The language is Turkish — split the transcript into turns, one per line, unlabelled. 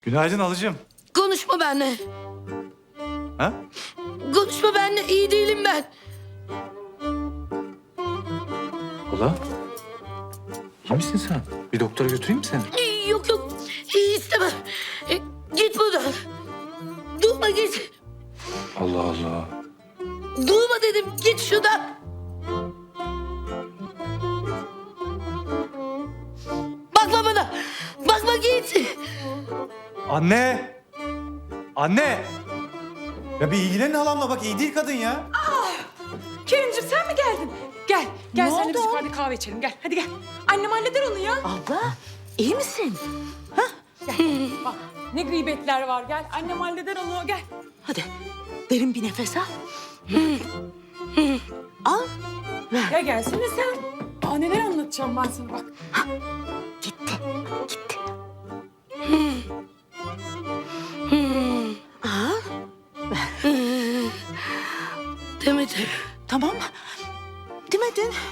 Günaydın alıcım.
Konuşma benimle.
Ha?
Konuşma benimle. İyi değilim ben.
Hala? İyi misin sen? Bir doktora götüreyim mi seni?
Yok yok. İyi istemem. Git buradan. Durma git.
Allah Allah.
Durma dedim. Git şuradan. Bakma bana. Bakma git.
Anne! Anne! Ya bir ilgilenin halamla bak iyi değil kadın ya.
Kerimciğim sen mi geldin? Gel, gel
Ne
seninle biz
oldu?
yukarıda kahve içelim. Gel, hadi gel. Annem halleder onu ya.
Abla iyi misin?
Gel, bak ne gıybetler var. Gel, annem halleder onu. Gel.
Hadi derin bir nefes al. Al.
Ya gelsene sen. Aa, neler anlatacağım ben sana bak.
Gitti. Gitti. Al.
Demedim.
Tamam. Demedin.